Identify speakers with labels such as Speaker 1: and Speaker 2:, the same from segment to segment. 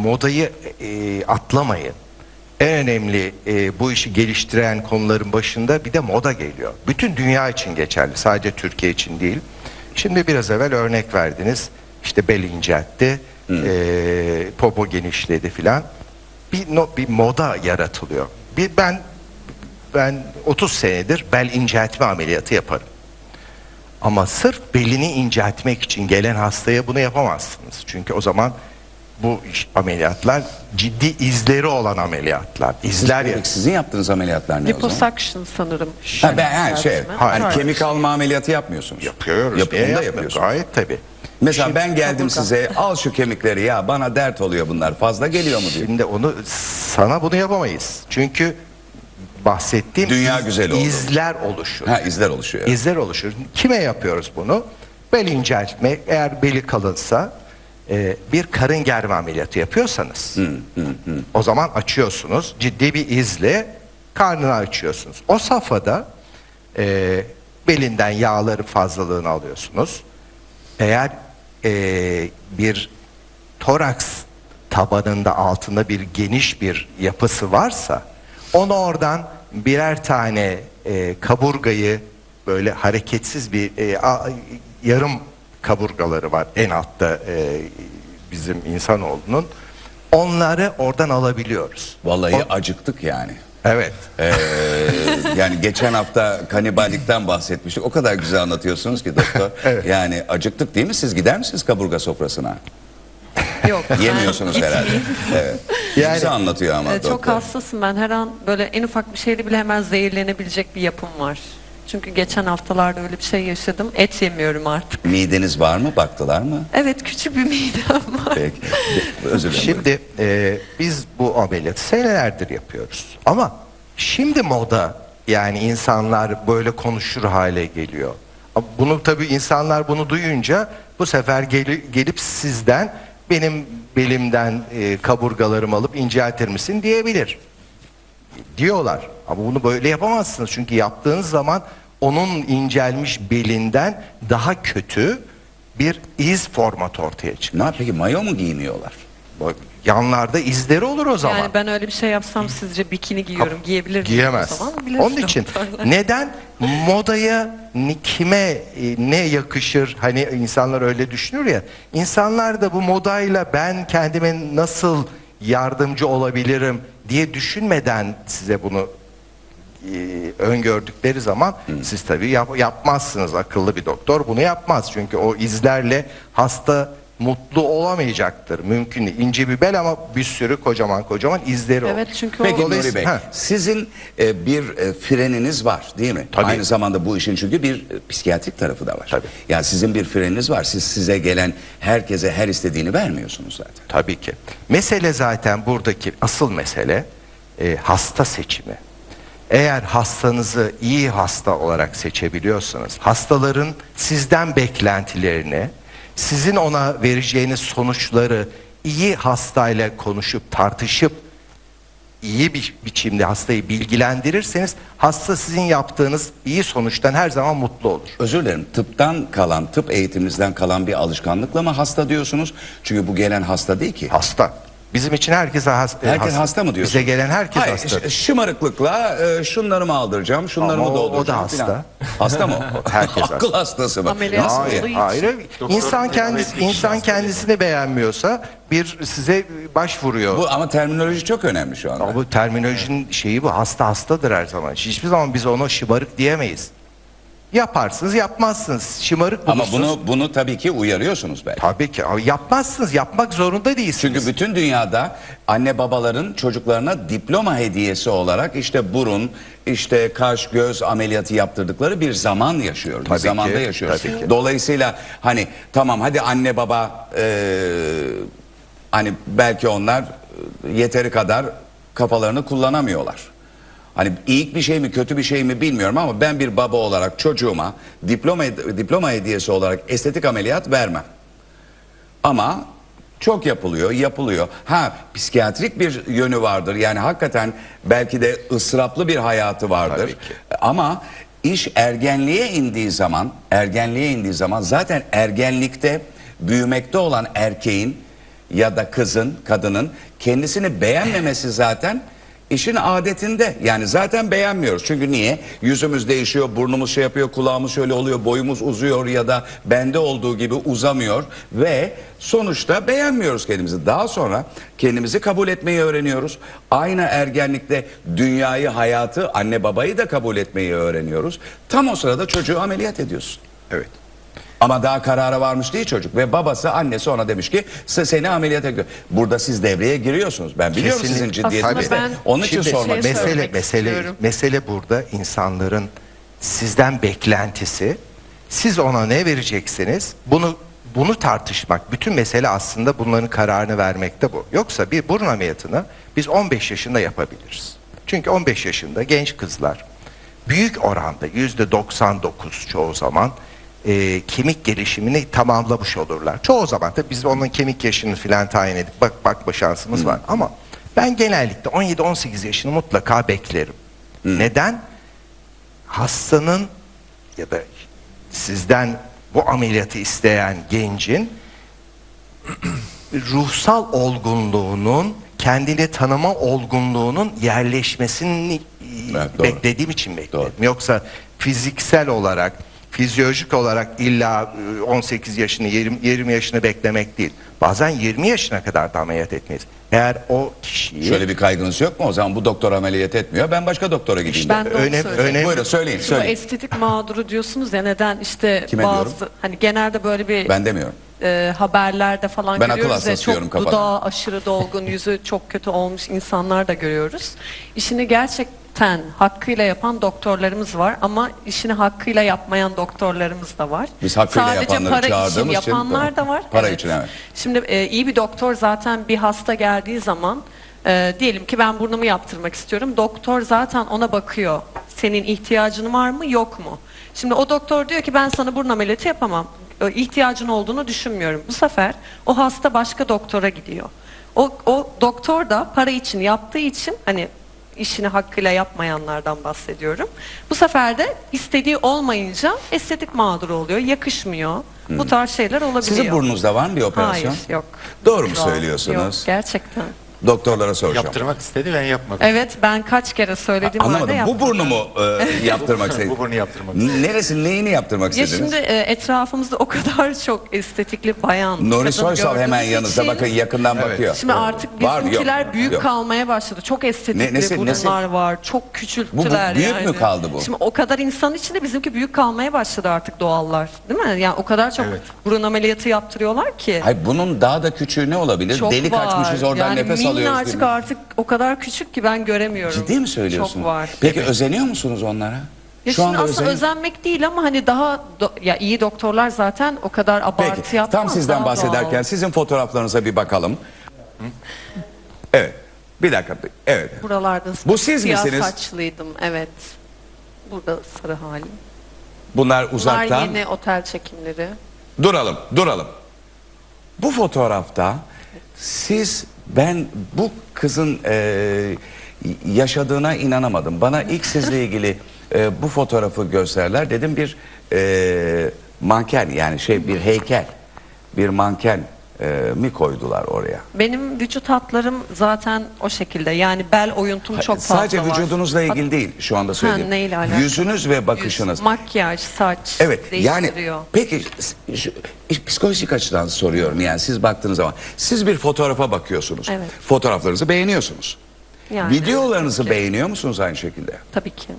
Speaker 1: modayı atlamayın. En önemli bu işi geliştiren konuların başında bir de moda geliyor. Bütün dünya için geçerli, sadece Türkiye için değil. Şimdi biraz evvel örnek verdiniz. İşte bel inceltti, popo genişledi filan. Bir moda yaratılıyor. Ben 30 senedir bel inceltme ameliyatı yaparım. Ama sırf belini inceltmek için gelen hastaya bunu yapamazsınız. Çünkü o zaman bu ameliyatlar ciddi izleri olan ameliyatlar.
Speaker 2: Sizin yaptığınız ameliyatlar ne o zaman?
Speaker 3: Liposuction sanırım.
Speaker 2: Kemik alma ameliyatı yapmıyorsunuz.
Speaker 1: Yapıyoruz. Yapıyorsunuz. Gayet tabii.
Speaker 2: Mesela ben geldim size, al şu kemikleri, ya bana dert oluyor bunlar, fazla geliyor mu diye.
Speaker 1: Şimdi sana bunu yapamayız. Çünkü bahsettiğim
Speaker 2: dünya güzel oldu.
Speaker 1: İzler oluşur.
Speaker 2: İzler oluşuyor. Evet.
Speaker 1: İzler oluşur. Kime yapıyoruz bunu? Bel inceltme, eğer beli kalınsa bir karın germe ameliyatı yapıyorsanız o zaman açıyorsunuz. Ciddi bir izle karnını açıyorsunuz. O safhada belinden yağları fazlalığını alıyorsunuz. Eğer bir toraks tabanında altında bir geniş bir yapısı varsa onu oradan birer tane kaburgayı böyle hareketsiz bir yarım kaburgaları var en altta bizim insanoğlunun, onları oradan alabiliyoruz.
Speaker 2: Vallahi acıktık yani.
Speaker 1: Evet.
Speaker 2: Yani geçen hafta kaniballikten bahsetmiştik. O kadar güzel anlatıyorsunuz ki doktor.
Speaker 1: Evet.
Speaker 2: Yani acıktık değil mi? Siz gider misiniz kaburga sofrasına?
Speaker 3: Yok.
Speaker 2: Yemiyorsunuz herhalde. Evet.
Speaker 1: Yani,
Speaker 2: güzel anlatıyor ama doktor.
Speaker 3: Çok hassasım ben. Her an böyle en ufak bir şeyle bile hemen zehirlenebilecek bir yapım var. Çünkü geçen haftalarda öyle bir şey yaşadım. Et yemiyorum artık.
Speaker 2: Mideniz var mı? Baktılar mı?
Speaker 3: Evet, küçük bir midem var.
Speaker 2: Peki. Özür dilerim.
Speaker 1: Şimdi biz bu ameliyatı senelerdir yapıyoruz. Ama şimdi moda, yani insanlar böyle konuşur hale geliyor. Bunu tabii insanlar bunu duyunca bu sefer gelip sizden benim belimden kaburgalarımı alıp inceltir misin diyebilir. Diyorlar. Ama bunu böyle yapamazsınız. Çünkü yaptığınız zaman onun incelmiş belinden daha kötü bir iz formatı ortaya çıkıyor.
Speaker 2: Ne peki, mayo mu giyiniyorlar?
Speaker 1: Yanlarda izleri olur o zaman.
Speaker 3: Yani ben öyle bir şey yapsam sizce bikini giyiyorum, giyebilir miyim
Speaker 1: Giyemez.
Speaker 3: o zaman?
Speaker 1: Onun için neden modaya kime ne yakışır, hani insanlar öyle düşünür ya, insanlar da bu modayla ben kendime nasıl yardımcı olabilirim diye düşünmeden size bunu öngördükleri zaman siz tabii yapmazsınız. Akıllı bir doktor bunu yapmaz. Çünkü o izlerle hasta mutlu olamayacaktır. Mümkün değil. İnce bir bel ama bir sürü kocaman izleri olur.
Speaker 3: Evet, çünkü
Speaker 2: Peki
Speaker 3: o...
Speaker 2: Nuri Bey, sizin bir freniniz var değil mi?
Speaker 1: Tabii.
Speaker 2: Aynı zamanda bu işin çünkü bir psikiyatrik tarafı da var.
Speaker 1: Tabii.
Speaker 2: Yani sizin bir freniniz var. Size gelen herkese her istediğini vermiyorsunuz zaten.
Speaker 1: Tabii ki. Mesele zaten buradaki asıl mesele hasta seçimi. Eğer hastanızı iyi hasta olarak seçebiliyorsanız, hastaların sizden beklentilerini, sizin ona vereceğiniz sonuçları iyi hastayla konuşup tartışıp iyi bir biçimde hastayı bilgilendirirseniz, hasta sizin yaptığınız iyi sonuçtan her zaman mutlu olur.
Speaker 2: Özür dilerim, tıp eğitiminizden kalan bir alışkanlıkla mı hasta diyorsunuz? Çünkü bu gelen hasta değil ki.
Speaker 1: Hasta. Bizim için herkes
Speaker 2: hasta mı diyorsun?
Speaker 1: Bize gelen herkes
Speaker 2: Hayır,
Speaker 1: hasta.
Speaker 2: Şımarıklıkla şunları mı aldıracağım, şunları
Speaker 1: Ama
Speaker 2: mı dolduracağım?
Speaker 1: o da hasta.
Speaker 2: Falan. Hasta mı?
Speaker 1: Herkes hasta.
Speaker 2: Akıl hastası mı?
Speaker 3: Ameliyat
Speaker 2: Nasıl
Speaker 3: olduğu
Speaker 2: ya?
Speaker 3: için.
Speaker 1: Hayır. İnsan kendisini beğenmiyorsa size başvuruyor.
Speaker 2: Bu ama terminoloji çok önemli şu anda.
Speaker 1: Ama bu terminolojinin şeyi bu. Hasta hastadır her zaman. Hiçbir zaman biz ona şımarık diyemeyiz. Yaparsınız, yapmazsınız. Şımarık
Speaker 2: Ama
Speaker 1: bulursunuz.
Speaker 2: bunu tabii ki uyarıyorsunuz belki.
Speaker 1: Tabii ki. Ama yapmazsınız. Yapmak zorunda değilsiniz.
Speaker 2: Çünkü bütün dünyada anne babaların çocuklarına diploma hediyesi olarak işte burun, işte kaş, göz ameliyatı yaptırdıkları bir zaman yaşıyoruz.
Speaker 1: Tabii
Speaker 2: bir zamanda
Speaker 1: ki,
Speaker 2: yaşıyoruz.
Speaker 1: tabii ki.
Speaker 2: Dolayısıyla hani tamam, hadi anne baba hani belki onlar yeteri kadar kafalarını kullanamıyorlar. Hani iyi bir şey mi kötü bir şey mi bilmiyorum ama ben bir baba olarak çocuğuma diploma hediyesi olarak estetik ameliyat vermem. Ama çok yapılıyor. Psikiyatrik bir yönü vardır. Yani hakikaten belki de ısraplı bir hayatı vardır. Ama iş ergenliğe indiği zaman zaten ergenlikte büyümekte olan erkeğin ya da kadının kendisini beğenmemesi zaten işin adetinde. Yani zaten beğenmiyoruz. Çünkü niye? Yüzümüz değişiyor, burnumuz şey yapıyor, kulağımız şöyle oluyor, boyumuz uzuyor ya da bende olduğu gibi uzamıyor ve sonuçta beğenmiyoruz kendimizi. Daha sonra kendimizi kabul etmeyi öğreniyoruz. Aynı ergenlikte dünyayı, hayatı, anne babayı da kabul etmeyi öğreniyoruz. Tam o sırada çocuğu ameliyat ediyorsun.
Speaker 1: Evet.
Speaker 2: Ama daha karara varmış değil çocuk ve babası, annesi ona demiş ki seni ameliyata götür. Burada siz devreye giriyorsunuz. Ben biliyorum
Speaker 1: Kesinlikle.
Speaker 2: sizin ciddiyetinizi.
Speaker 3: Aslında ben
Speaker 2: Onun için
Speaker 1: Şimdi
Speaker 2: sormak
Speaker 3: şey
Speaker 2: istedim.
Speaker 3: söylemek istiyorum.
Speaker 1: mesele burada insanların sizden beklentisi. Siz ona ne vereceksiniz? Bunu tartışmak. Bütün mesele aslında bunların kararını vermekte bu. Yoksa bir burun ameliyatını biz 15 yaşında yapabiliriz. Çünkü 15 yaşında genç kızlar büyük oranda %99 çoğu zaman kemik gelişimini tamamlamış olurlar. Çoğu zaman da biz onun kemik yaşını filan tayin edip bakma şansımız var. Ama ben genellikle 17-18 yaşını mutlaka beklerim. Neden? Hastanın ya da sizden bu ameliyatı isteyen gencin ruhsal olgunluğunun, kendini tanıma olgunluğunun yerleşmesini
Speaker 2: Evet, doğru.
Speaker 1: beklediğim için bekledim.
Speaker 2: Doğru.
Speaker 1: Yoksa fiziksel olarak, fizyolojik olarak illa 18 yaşını, 20 yaşını beklemek değil. Bazen 20 yaşına kadar da ameliyat etmeyiz. Eğer o kişiyi...
Speaker 2: Şöyle bir kaygınız yok mu? O zaman bu doktor ameliyat etmiyor. Ben başka doktora gideyim.
Speaker 3: Ben de onu söyleyeceğim.
Speaker 2: Buyurun söyleyin.
Speaker 3: Şu estetik mağduru diyorsunuz ya, neden işte
Speaker 2: Kime
Speaker 3: bazı
Speaker 2: diyorum?
Speaker 3: hani genelde böyle bir
Speaker 2: Ben demiyorum.
Speaker 3: haberlerde falan
Speaker 2: Ben akıl
Speaker 3: görüyoruz ya,
Speaker 2: hastası diyorum
Speaker 3: çok
Speaker 2: kafadan.
Speaker 3: dudağı aşırı dolgun, yüzü çok kötü olmuş insanlar da görüyoruz. İşini gerçekten hakkıyla yapan doktorlarımız var ama işini hakkıyla yapmayan doktorlarımız da var.
Speaker 2: Biz hakkıyla
Speaker 3: Sadece
Speaker 2: yapanları
Speaker 3: para için
Speaker 2: çağırdığımız için,
Speaker 3: yapanlar da var.
Speaker 2: para için, evet.
Speaker 3: Şimdi iyi bir doktor zaten bir hasta geldiği zaman diyelim ki ben burnumu yaptırmak istiyorum. Doktor zaten ona bakıyor. Senin ihtiyacın var mı yok mu? Şimdi o doktor diyor ki ben sana burun ameliyatı yapamam. İhtiyacın olduğunu düşünmüyorum. Bu sefer o hasta başka doktora gidiyor. O doktor da para için yaptığı için, hani işini hakkıyla yapmayanlardan bahsediyorum. Bu sefer de istediği olmayınca estetik mağduru oluyor, yakışmıyor. Bu tarz şeyler olabiliyor.
Speaker 2: Sizin burnunuzda var mı bir operasyon?
Speaker 3: Hayır, yok.
Speaker 2: Doğru mu
Speaker 3: Şu an
Speaker 2: söylüyorsunuz?
Speaker 3: Yok, gerçekten.
Speaker 2: Doktorlara soracağım.
Speaker 4: Yaptırmak istedi, ben yapmadım.
Speaker 3: Evet, ben kaç kere söyledim halde
Speaker 2: Anlamadım. Bu
Speaker 3: yapmadım.
Speaker 2: burnu mu yaptırmak istediniz?
Speaker 4: Bu burnu yaptırmak istedim.
Speaker 2: Neresi, neyini yaptırmak
Speaker 3: Ya
Speaker 2: istediniz?
Speaker 3: şimdi etrafımızda o kadar çok estetikli bayan,
Speaker 2: Nuri
Speaker 3: kadın
Speaker 2: Soysal hemen
Speaker 3: gördüğümüz
Speaker 2: yanınızda,
Speaker 3: için,
Speaker 2: bakın yakından bakıyor.
Speaker 3: Şimdi artık
Speaker 2: Var mı?
Speaker 3: bizimkiler
Speaker 2: Yok.
Speaker 3: büyük
Speaker 2: Yok.
Speaker 3: kalmaya başladı. Çok estetikli
Speaker 2: nesi?
Speaker 3: burunlar var. Çok küçülttüler
Speaker 2: Bu büyük
Speaker 3: yani.
Speaker 2: mü kaldı bu?
Speaker 3: Şimdi o kadar insan içinde bizimki büyük kalmaya başladı artık, doğallar. Değil mi? Yani o kadar çok burun ameliyatı yaptırıyorlar ki.
Speaker 2: Hayır, bunun daha da küçüğü ne olabilir?
Speaker 3: Çok
Speaker 2: Delik
Speaker 3: var.
Speaker 2: açmışız, oradan
Speaker 3: yani
Speaker 2: nefes alıyoruz.
Speaker 3: minnacık
Speaker 2: değil mi?
Speaker 3: artık o kadar küçük ki ben göremiyorum.
Speaker 2: Ciddi mi söylüyorsun?
Speaker 3: Çok var.
Speaker 2: Peki özeniyor musunuz onlara?
Speaker 3: Ya şimdi aslında özenmek değil ama hani daha ya iyi doktorlar zaten o kadar abartı
Speaker 2: Peki,
Speaker 3: yapmaz.
Speaker 2: tam sizden
Speaker 3: daha
Speaker 2: bahsederken
Speaker 3: doğal.
Speaker 2: sizin fotoğraflarınıza bir bakalım. Evet, bir dakika. Evet.
Speaker 3: Buralarda
Speaker 2: Bu siz
Speaker 3: siyah
Speaker 2: misiniz?
Speaker 3: saçlıydım, evet. Burada sarı halim.
Speaker 2: Bunlar
Speaker 3: Bunlar
Speaker 2: uzaktan.
Speaker 3: yeni otel çekimleri.
Speaker 2: Duralım. Bu fotoğrafta siz, ben bu kızın yaşadığına inanamadım. Bana ilk sizle ilgili bu fotoğrafı gösterler. Dedim bir manken, yani bir heykel, bir manken mi koydular oraya?
Speaker 3: Benim vücut hatlarım zaten o şekilde. Yani bel oyuntum çok fazla
Speaker 2: Sadece
Speaker 3: var.
Speaker 2: vücudunuzla ilgili değil şu anda söylediğim.
Speaker 3: neyle alakalı?
Speaker 2: Yüzünüz ve bakışınız.
Speaker 3: Yüz, makyaj, saç
Speaker 2: Evet, yani
Speaker 3: değiştiriyor.
Speaker 2: peki psikolojik açıdan soruyorum, yani siz baktığınız zaman siz bir fotoğrafa bakıyorsunuz.
Speaker 3: Evet.
Speaker 2: Fotoğraflarınızı beğeniyorsunuz.
Speaker 3: Yani,
Speaker 2: Videolarınızı
Speaker 3: tabii ki.
Speaker 2: beğeniyor musunuz aynı şekilde?
Speaker 3: Tabii ki.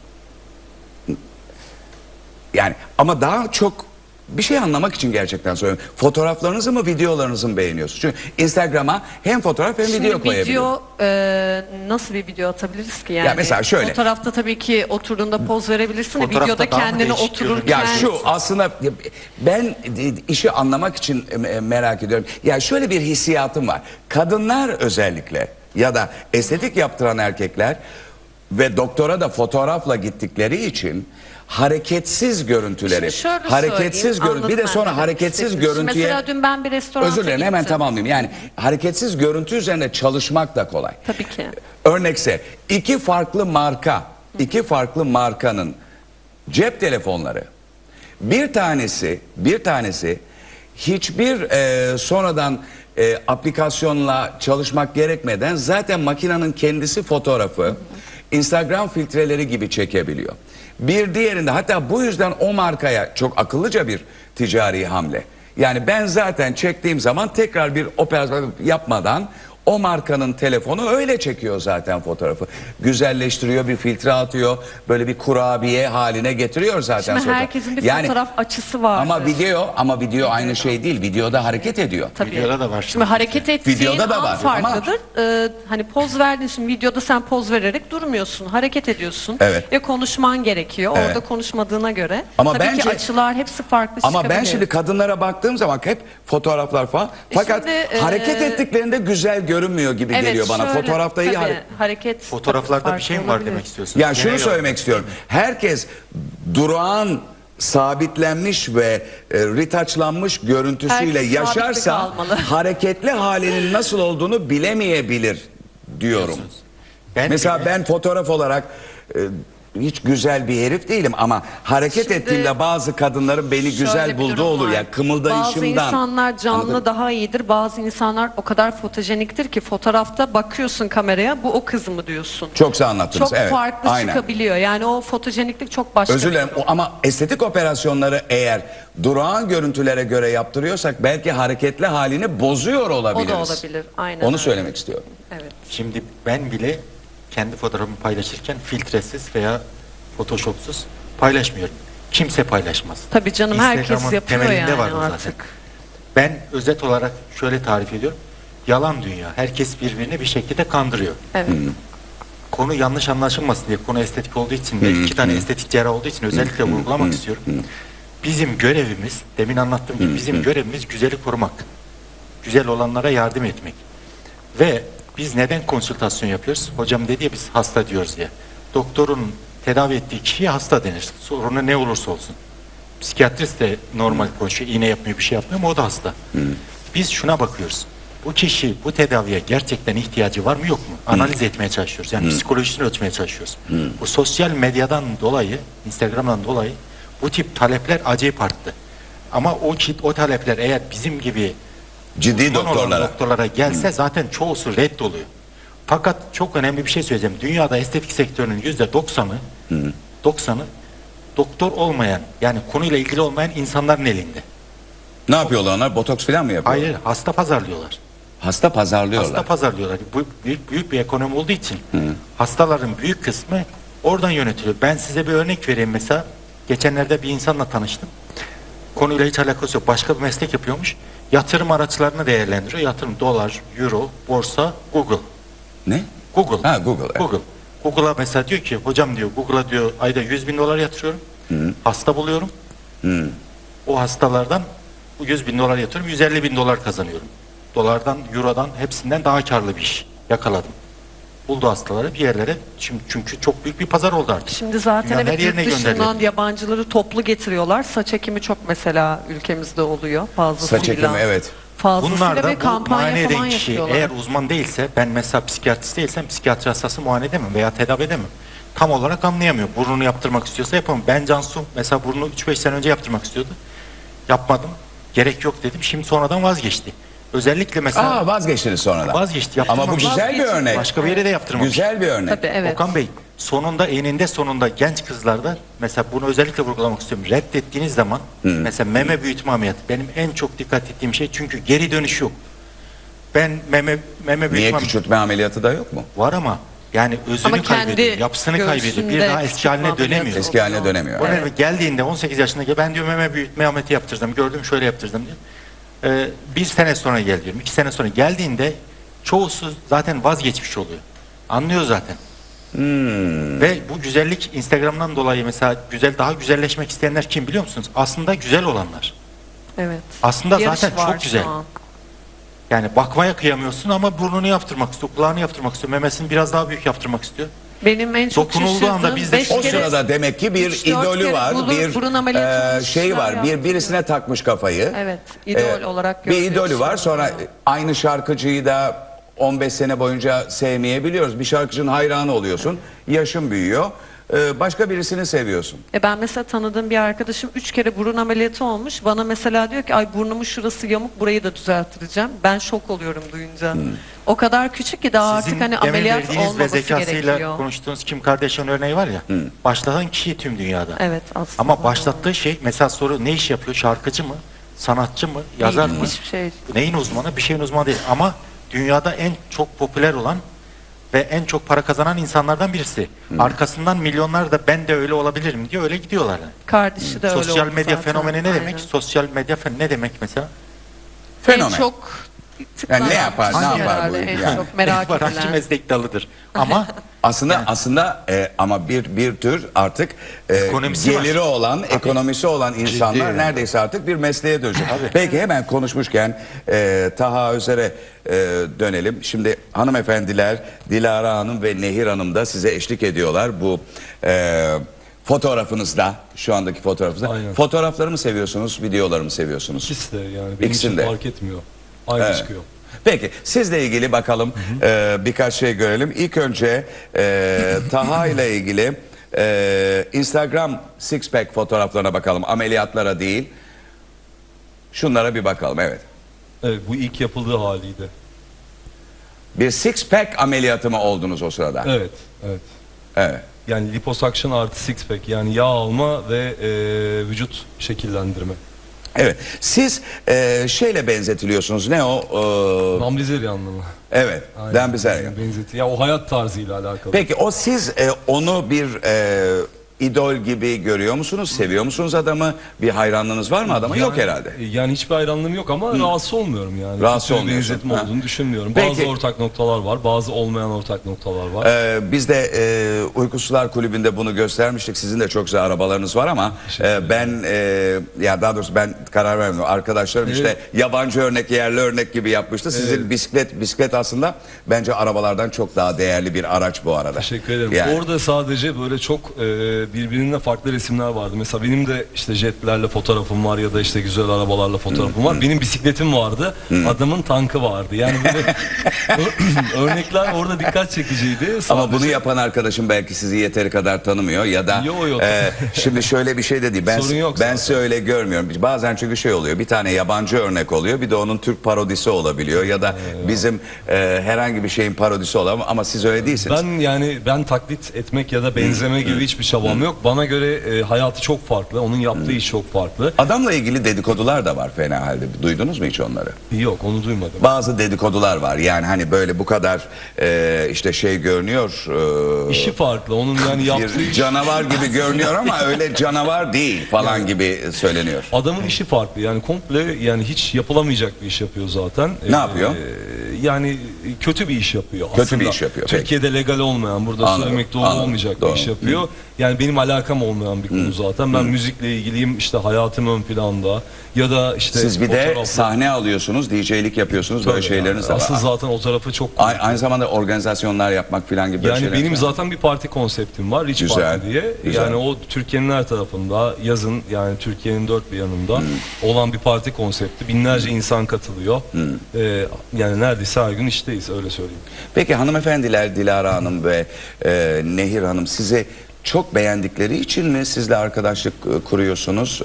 Speaker 2: Yani ama daha çok bir şey anlamak için gerçekten soruyorum. Fotoğraflarınızı mı, videolarınızı mı beğeniyorsunuz? Çünkü Instagram'a hem fotoğraf hem video koyabiliyorsunuz.
Speaker 3: Video nasıl bir video atabiliriz ki yani?
Speaker 2: Ya mesela şöyle.
Speaker 3: Fotoğrafta tabii ki oturduğunda poz verebilirsin de
Speaker 4: Fotoğrafta
Speaker 3: videoda
Speaker 4: daha mı
Speaker 3: kendini
Speaker 4: değişik
Speaker 3: otururken.
Speaker 2: Ya şu aslında ben işi anlamak için merak ediyorum. Ya şöyle bir hissiyatım var. Kadınlar özellikle ya da estetik yaptıran erkekler ve doktora da fotoğrafla gittikleri için hareketsiz görüntüleri,
Speaker 3: Şimdi şöyle
Speaker 2: hareketsiz
Speaker 3: söyleyeyim,
Speaker 2: bir de
Speaker 3: anladım
Speaker 2: sonra
Speaker 3: ben demek
Speaker 2: hareketsiz
Speaker 3: istediğinizi.
Speaker 2: görüntüye.
Speaker 3: Mesela dün ben bir restoranta
Speaker 2: Özür dilerim, hemen
Speaker 3: gittim.
Speaker 2: tamamlayayım. Yani hareketsiz görüntü üzerinde çalışmak da kolay.
Speaker 3: Tabii ki.
Speaker 2: Örnekse iki farklı markanın cep telefonları, bir tanesi hiçbir sonradan aplikasyonla çalışmak gerekmeden zaten makinenin kendisi fotoğrafı Instagram filtreleri gibi çekebiliyor. Bir diğerinde, hatta bu yüzden o markaya çok akıllıca bir ticari hamle. Yani ben zaten çektiğim zaman tekrar bir operasyon yapmadan o markanın telefonu öyle çekiyor zaten fotoğrafı. Güzelleştiriyor, bir filtre atıyor, böyle bir kurabiye haline getiriyor zaten.
Speaker 3: Şimdi
Speaker 2: sonra.
Speaker 3: herkesin bir fotoğraf açısı var.
Speaker 2: Ama video aynı şey değil. Videoda hareket ediyor.
Speaker 3: Tabii.
Speaker 4: Videoda da var
Speaker 3: Şimdi hareket ettiğin
Speaker 2: Videoda da
Speaker 3: an
Speaker 2: var
Speaker 3: farklıdır. Hani poz verdin, şimdi videoda sen poz vererek durmuyorsun. Hareket ediyorsun.
Speaker 2: Evet.
Speaker 3: Ve konuşman gerekiyor.
Speaker 2: Evet.
Speaker 3: Orada konuşmadığına göre.
Speaker 2: Ama
Speaker 3: Tabii
Speaker 2: bence-
Speaker 3: ki açılar hepsi farklı
Speaker 2: Ama ben
Speaker 3: çıkabilir.
Speaker 2: şimdi kadınlara baktığım zaman hep fotoğraflar falan. Fakat
Speaker 3: Şimdi,
Speaker 2: hareket ettiklerinde güzel görünmüyor gibi
Speaker 3: Evet,
Speaker 2: geliyor bana.
Speaker 3: şöyle,
Speaker 2: Fotoğrafta iyi
Speaker 3: tabii, hareket.
Speaker 4: Fotoğraflarda
Speaker 3: tabii
Speaker 4: bir şey mi
Speaker 3: farklı
Speaker 4: var
Speaker 3: olabilir.
Speaker 4: demek istiyorsun?
Speaker 2: Ya şunu
Speaker 4: Genel
Speaker 2: söylemek istiyorum. Herkes durağan, sabitlenmiş ve retouchlanmış görüntüsüyle
Speaker 3: Herkes
Speaker 2: yaşarsa
Speaker 3: sabitlik almalı.
Speaker 2: hareketli halinin nasıl olduğunu bilemeyebilir diyorum.
Speaker 4: Ben
Speaker 2: Mesela
Speaker 4: bile-
Speaker 2: ben fotoğraf olarak hiç güzel bir herif değilim ama hareket
Speaker 3: Şimdi
Speaker 2: ettiğimde bazı kadınların beni
Speaker 3: Şöyle
Speaker 2: güzel
Speaker 3: bir
Speaker 2: bulduğu
Speaker 3: durum
Speaker 2: olur
Speaker 3: var.
Speaker 2: ya, kımıldayışımdan.
Speaker 3: Bazı insanlar canlı
Speaker 2: Anladın mı?
Speaker 3: daha iyidir. Bazı insanlar o kadar fotojeniktir ki fotoğrafta bakıyorsun kameraya, bu o kız mı diyorsun.
Speaker 2: Çok güzel anlattınız.
Speaker 3: Çok
Speaker 2: Evet,
Speaker 3: farklı
Speaker 2: aynen.
Speaker 3: çıkabiliyor. Yani o fotojeniklik çok başka.
Speaker 2: Özür
Speaker 3: bir
Speaker 2: dilerim
Speaker 3: durum.
Speaker 2: ama estetik operasyonları eğer durağan görüntülere göre yaptırıyorsak belki hareketli halini bozuyor olabiliriz.
Speaker 3: O da olabilir. Aynen
Speaker 2: Onu
Speaker 3: öyle.
Speaker 2: söylemek istiyorum.
Speaker 3: Evet.
Speaker 4: Şimdi ben bile kendi fotoğrafımı paylaşırken filtresiz veya photoshopsuz paylaşmıyorum. Kimse paylaşmaz.
Speaker 3: Tabii canım, herkes
Speaker 4: Instagram'ın
Speaker 3: yapıyor
Speaker 4: temelinde
Speaker 3: yani
Speaker 4: var bu
Speaker 3: artık.
Speaker 4: zaten. Ben özet olarak şöyle tarif ediyorum. Yalan dünya. Herkes birbirini bir şekilde kandırıyor.
Speaker 3: Evet.
Speaker 4: Konu yanlış anlaşılmasın diye, konu estetik olduğu için ve iki tane estetik cerrah olduğu için özellikle vurgulamak istiyorum. Bizim görevimiz, demin anlattığım gibi bizim görevimiz güzeli korumak. Güzel olanlara yardım etmek. Ve biz neden konsültasyon yapıyoruz? Hocam dedi ya, biz hasta diyoruz ya. Doktorun tedavi ettiği kişiye hasta denir. Sorunu ne olursa olsun. Psikiyatrist de normal konuşuyor, iğne yapmıyor, bir şey yapmıyor ama o da hasta. Biz şuna bakıyoruz. Bu kişi bu tedaviye gerçekten ihtiyacı var mı yok mu? Analiz etmeye çalışıyoruz. Yani psikolojisini ölçmeye çalışıyoruz. Bu sosyal medyadan dolayı, Instagram'dan dolayı bu tip talepler acayip arttı. Ama o talepler eğer bizim gibi
Speaker 2: Ciddi
Speaker 4: uzman olan
Speaker 2: doktorlara.
Speaker 4: doktorlara gelse zaten çoğusu reddoluyor. Fakat çok önemli bir şey söyleyeceğim. Dünyada estetik sektörünün %90'ı doktor olmayan, yani konuyla ilgili olmayan insanların elinde.
Speaker 2: Ne yapıyorlar onlar? Botoks falan mı yapıyorlar?
Speaker 4: Hayır, hasta pazarlıyorlar.
Speaker 2: Hasta pazarlıyorlar.
Speaker 4: Hasta pazarlıyorlar. Bu büyük bir ekonomi olduğu için hastaların büyük kısmı oradan yönetiliyor. Ben size bir örnek vereyim mesela. Geçenlerde bir insanla tanıştım. Konuyla hiç alakası yok. Başka bir meslek yapıyormuş. Yatırım araçlarını değerlendiriyor. Yatırım dolar, euro, borsa, Google.
Speaker 2: Ne?
Speaker 4: Google.
Speaker 2: Ha, Google, evet.
Speaker 4: Google. Google'a mesela diyor ki, hocam diyor, Google'a diyor ayda 100 bin dolar yatırıyorum. Hasta buluyorum. O hastalardan bu 100 bin dolar yatırıyorum. 150 bin dolar kazanıyorum. Dolardan, eurodan, hepsinden daha karlı bir iş yakaladım. Buldu hastaları bir yerlere. Şimdi çünkü çok büyük bir pazar oldu artık.
Speaker 3: Şimdi zaten
Speaker 4: Dünyanın
Speaker 3: evet,
Speaker 4: her yerine
Speaker 3: yurt dışından
Speaker 4: gönderiliyor.
Speaker 3: yabancıları toplu getiriyorlar. Saç ekimi çok mesela ülkemizde oluyor fazlasıyla.
Speaker 2: Saç ekimi, evet.
Speaker 3: Fazlasıyla
Speaker 4: Bunlar da
Speaker 3: ve
Speaker 4: bu
Speaker 3: kampanya
Speaker 4: muayene
Speaker 3: falan
Speaker 4: eden kişi
Speaker 3: yapıyorlar.
Speaker 4: eğer uzman değilse, ben mesela psikiyatrist değilsem psikiyatri hastası muayene edemem veya tedavi edemem. Tam olarak anlayamıyor. Burnunu yaptırmak istiyorsa yapamam. Ben Cansu mesela burnunu 3-5 sene önce yaptırmak istiyordu. Yapmadım. Gerek yok dedim. Şimdi sonradan vazgeçti. Özellikle mesela
Speaker 2: Aa, vazgeçtiniz sonradan.
Speaker 4: vazgeçti.
Speaker 2: Ama bu
Speaker 4: yaptırmamış.
Speaker 2: güzel bir örnek.
Speaker 4: Başka bir yere de yaptırmamış.
Speaker 2: Güzel bir örnek.
Speaker 3: Tabii evet.
Speaker 4: Okan Bey, sonunda eninde sonunda genç kızlarda mesela bunu özellikle vurgulamak istiyorum. Reddettiğiniz zaman mesela meme büyütme ameliyatı benim en çok dikkat ettiğim şey, çünkü geri dönüş yok. Ben meme büyütme
Speaker 2: Niye küçültme ameliyatı da yok mu?
Speaker 4: var ama yani özünü
Speaker 3: Ama kendi
Speaker 4: kaybediyor, yapısını kaybediyor. Bir
Speaker 3: göğsünde
Speaker 4: daha eski haline
Speaker 3: küçültme
Speaker 4: dönemiyor.
Speaker 3: ameliyatı
Speaker 2: Eski haline
Speaker 3: oluyor.
Speaker 2: dönemiyor.
Speaker 4: O nedenle geldiğinde 18 yaşındaki, ben diyor meme büyütme ameliyatı yaptırdım, gördüm şöyle yaptırdım diyor. Bir sene sonra gel diyorum, 2 sene sonra geldiğinde çoğusu zaten vazgeçmiş oluyor. Anlıyor zaten. Ve bu güzellik Instagram'dan dolayı mesela daha güzelleşmek isteyenler kim biliyor musunuz? Aslında güzel olanlar.
Speaker 3: Evet.
Speaker 4: Aslında
Speaker 3: Yarış
Speaker 4: zaten
Speaker 3: var
Speaker 4: çok
Speaker 3: şu
Speaker 4: güzel.
Speaker 3: an.
Speaker 4: Yani bakmaya kıyamıyorsun ama burnunu yaptırmak istiyor, kulağını yaptırmak istiyor, memesini biraz daha büyük yaptırmak istiyor.
Speaker 3: Benim en çok
Speaker 4: Dokunulduğu anda
Speaker 3: şaşırdığım
Speaker 4: biz de
Speaker 3: 5
Speaker 2: O
Speaker 3: kere
Speaker 2: sırada demek ki bir
Speaker 3: 3-4
Speaker 2: idolü
Speaker 3: kere
Speaker 2: var,
Speaker 3: burun ameliyatı
Speaker 2: bir şey var,
Speaker 3: olmuşlar
Speaker 2: birisine takmış kafayı.
Speaker 3: Evet, idol olarak
Speaker 2: Bir
Speaker 3: görülüyor
Speaker 2: idolü var,
Speaker 3: şu an.
Speaker 2: sonra aynı şarkıcıyı da 15 sene boyunca sevmeyebiliyoruz. Bir şarkıcının hayranı oluyorsun, yaşın büyüyor. başka birisini seviyorsun.
Speaker 3: Ben mesela tanıdığım bir arkadaşım 3 kere burun ameliyatı olmuş. Bana mesela diyor ki ay burnumun şurası yamuk, burayı da düzelttireceğim. Ben şok oluyorum duyunca. O kadar küçük ki daha
Speaker 4: Sizin
Speaker 3: artık hani
Speaker 4: demin
Speaker 3: ameliyat
Speaker 4: verdiğiniz ve
Speaker 3: olmaması
Speaker 4: zekasıyla
Speaker 3: gerekiyor.
Speaker 4: konuştuğunuz Kim Kardashian örneği var ya. Başlatan kişi tüm dünyada.
Speaker 3: Evet aslında.
Speaker 4: Ama başlattığı şey, mesela soru ne iş yapıyor? Şarkıcı mı? Sanatçı mı? Yazar
Speaker 3: Değil,
Speaker 4: mı?
Speaker 3: hiçbir şey.
Speaker 4: Neyin uzmanı? Bir şeyin uzmanı değil. Ama dünyada en çok popüler olan ve en çok para kazanan insanlardan birisi. Arkasından milyonlar da ben de öyle olabilirim diye öyle gidiyorlar. Yani.
Speaker 3: Kardeşi de öyle
Speaker 4: Sosyal
Speaker 3: oldu
Speaker 4: medya
Speaker 3: zaten.
Speaker 4: fenomeni ne demek?
Speaker 3: Aynen.
Speaker 4: Sosyal medya ne demek mesela?
Speaker 2: Fenomen.
Speaker 3: En çok
Speaker 2: Yani ne yapar, ne
Speaker 3: tıklanan
Speaker 2: yapar
Speaker 3: herhalde,
Speaker 2: bu
Speaker 3: en
Speaker 2: yani?
Speaker 3: çok merak
Speaker 4: Barajcı
Speaker 3: edilen.
Speaker 4: meslek dalıdır. Ama
Speaker 2: Aslında ama bir tür artık
Speaker 4: Ekonomisi var.
Speaker 2: geliri olan, ekonomisi olan insanlar
Speaker 1: yani.
Speaker 2: neredeyse artık bir mesleğe dönecek. Peki hemen konuşmuşken Taha Özer'e dönelim. Şimdi hanımefendiler Dilara Hanım ve Nehir Hanım da size eşlik ediyorlar bu fotoğrafınızda, şu andaki fotoğrafınızda.
Speaker 5: Aynen.
Speaker 2: Fotoğrafları mı seviyorsunuz, videoları mı seviyorsunuz?
Speaker 5: İkisi de yani benim
Speaker 2: İkisini
Speaker 5: için
Speaker 2: de.
Speaker 5: fark etmiyor. Aynı
Speaker 2: Evet.
Speaker 5: çıkıyor.
Speaker 2: Peki sizle ilgili bakalım birkaç şey görelim. İlk önce Taha ile ilgili Instagram six pack fotoğraflarına bakalım. Ameliyatlara değil. Şunlara bir bakalım, evet.
Speaker 5: Evet, bu ilk yapıldığı haliydi.
Speaker 2: Bir six pack ameliyatı mı oldunuz o sırada?
Speaker 5: Evet, evet.
Speaker 2: Evet.
Speaker 5: Yani liposuction artı six pack, yani yağ alma ve vücut şekillendirme.
Speaker 2: Evet. Siz şeyle benzetiliyorsunuz. Ne o?
Speaker 5: Namlizeri anlamı.
Speaker 2: Evet.
Speaker 5: Aynen,
Speaker 2: Dan Bilzerian.
Speaker 5: benzeti. Ya o hayat tarzıyla alakalı.
Speaker 2: Peki o siz onu bir idol gibi görüyor musunuz? Seviyor musunuz adamı? Bir hayranlığınız var mı adama? Yok herhalde.
Speaker 5: Yani hiçbir hayranlığım yok ama rahatsız olmuyorum yani.
Speaker 2: Rahatsız
Speaker 5: Kötü bir
Speaker 2: olmuyorsun.
Speaker 5: benzetme
Speaker 2: Ha.
Speaker 5: olduğunu düşünmüyorum.
Speaker 2: Peki.
Speaker 5: Bazı ortak noktalar var, bazı olmayan ortak noktalar var.
Speaker 2: Biz de Uykusuzlar Kulübü'nde bunu göstermiştik. Sizin de çok güzel arabalarınız var ama ben ya daha doğrusu ben karar vermedim. Arkadaşlarım işte yabancı örnek, yerli örnek gibi yapmıştı. Sizin bisiklet aslında bence arabalardan çok daha değerli bir araç bu arada.
Speaker 5: Teşekkür ederim.
Speaker 2: Yani.
Speaker 5: Orada sadece böyle çok birbirinden farklı resimler vardı. Mesela benim de işte jetlerle fotoğrafım var ya da işte güzel arabalarla fotoğrafım var. Benim bisikletim vardı. Adamın tankı vardı. Yani böyle örnekler orada dikkat çekiciydi.
Speaker 2: Ama
Speaker 5: Sadece-
Speaker 2: bunu yapan arkadaşım belki sizi yeteri kadar tanımıyor ya da
Speaker 5: Yo.
Speaker 2: şimdi şöyle bir şey de değil. Ben
Speaker 5: Sorun yok
Speaker 2: ben
Speaker 5: zaten.
Speaker 2: size öyle görmüyorum. Bazen çünkü şey oluyor. Bir tane yabancı örnek oluyor. Bir de onun Türk parodisi olabiliyor ya da bizim herhangi bir şeyin parodisi olabilir ama siz öyle değilsiniz.
Speaker 5: Ben taklit etmek ya da benzeme gibi hiçbir çabam yok. Bana göre hayatı çok farklı. Onun yaptığı iş çok farklı.
Speaker 2: Adamla ilgili dedikodular da var fena halde. Duydunuz mu hiç onları?
Speaker 5: Yok, onu duymadım.
Speaker 2: Bazı dedikodular var. Yani hani böyle bu kadar işte şey görünüyor.
Speaker 5: İşi farklı. Onun yani yaptığı
Speaker 2: Bir
Speaker 5: iş.
Speaker 2: canavar gibi görünüyor ama öyle canavar değil falan gibi söyleniyor.
Speaker 5: Adamın işi farklı. Yani komple, yani hiç yapılamayacak bir iş yapıyor zaten.
Speaker 2: Ne yapıyor?
Speaker 5: Yani kötü bir iş yapıyor.
Speaker 2: Kötü
Speaker 5: aslında.
Speaker 2: bir iş yapıyor, peki.
Speaker 5: Türkiye'de legal olmayan, burada
Speaker 2: Anladım,
Speaker 5: söylemek doğru
Speaker 2: anladım,
Speaker 5: olmayacak
Speaker 2: doğru.
Speaker 5: bir iş yapıyor. Yani benim alakam olmayan bir konu zaten. Ben müzikle ilgiliyim. İşte hayatım ön planda. Ya da işte
Speaker 2: Siz bir de
Speaker 5: fotoğrafla-
Speaker 2: sahne alıyorsunuz, DJ'lik yapıyorsunuz, böyle
Speaker 5: Tabii
Speaker 2: şeyleriniz de
Speaker 5: yani.
Speaker 2: var.
Speaker 5: Asıl zaten o tarafı çok
Speaker 2: Aynı zamanda organizasyonlar yapmak falan gibi böyle
Speaker 5: yani
Speaker 2: şeyler.
Speaker 5: benim zaten bir parti konseptim var, Rich
Speaker 2: Güzel,
Speaker 5: Party diye.
Speaker 2: güzel.
Speaker 5: Yani o Türkiye'nin her tarafında yazın, yani Türkiye'nin dört bir yanında olan bir parti konsepti. Binlerce insan katılıyor. Yani neredeyse her gün işteyiz, öyle söyleyeyim.
Speaker 2: Peki hanımefendiler Dilara Hanım ve Nehir Hanım sizi çok beğendikleri için mi sizle arkadaşlık kuruyorsunuz?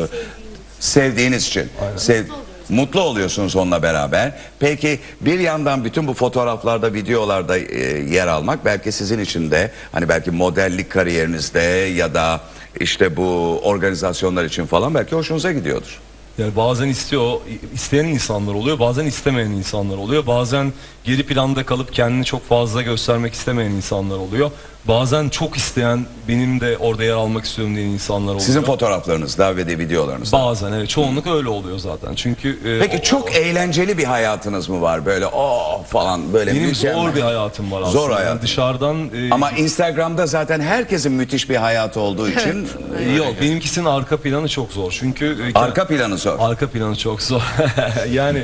Speaker 2: Sevdiğiniz için. Mutlu oluyorsunuz onunla beraber. Peki bir yandan bütün bu fotoğraflarda, videolarda yer almak belki sizin için de hani belki modellik kariyerinizde ya da işte bu organizasyonlar için falan belki hoşunuza gidiyordur.
Speaker 5: Yani bazen isteyen insanlar oluyor, bazen istemeyen insanlar oluyor. Bazen geri planda kalıp kendini çok fazla göstermek istemeyen insanlar oluyor. Bazen çok isteyen, benim de orada yer almak istiyorum diyen insanlar oluyor.
Speaker 2: Sizin fotoğraflarınızda ve de videolarınızda.
Speaker 5: Bazen evet, çoğunluk öyle oluyor zaten. Çünkü
Speaker 2: Peki çok eğlenceli bir hayatınız mı var böyle falan böyle
Speaker 5: benim
Speaker 2: mükemmel.
Speaker 5: zor bir hayatım var aslında.
Speaker 2: Zor hayat.
Speaker 5: Yani dışarıdan
Speaker 2: Ama Instagram'da zaten herkesin müthiş bir hayatı olduğu için
Speaker 5: yok, benimkisinin arka planı çok zor. Çünkü
Speaker 2: arka planı zor.
Speaker 5: arka planı çok zor. Yani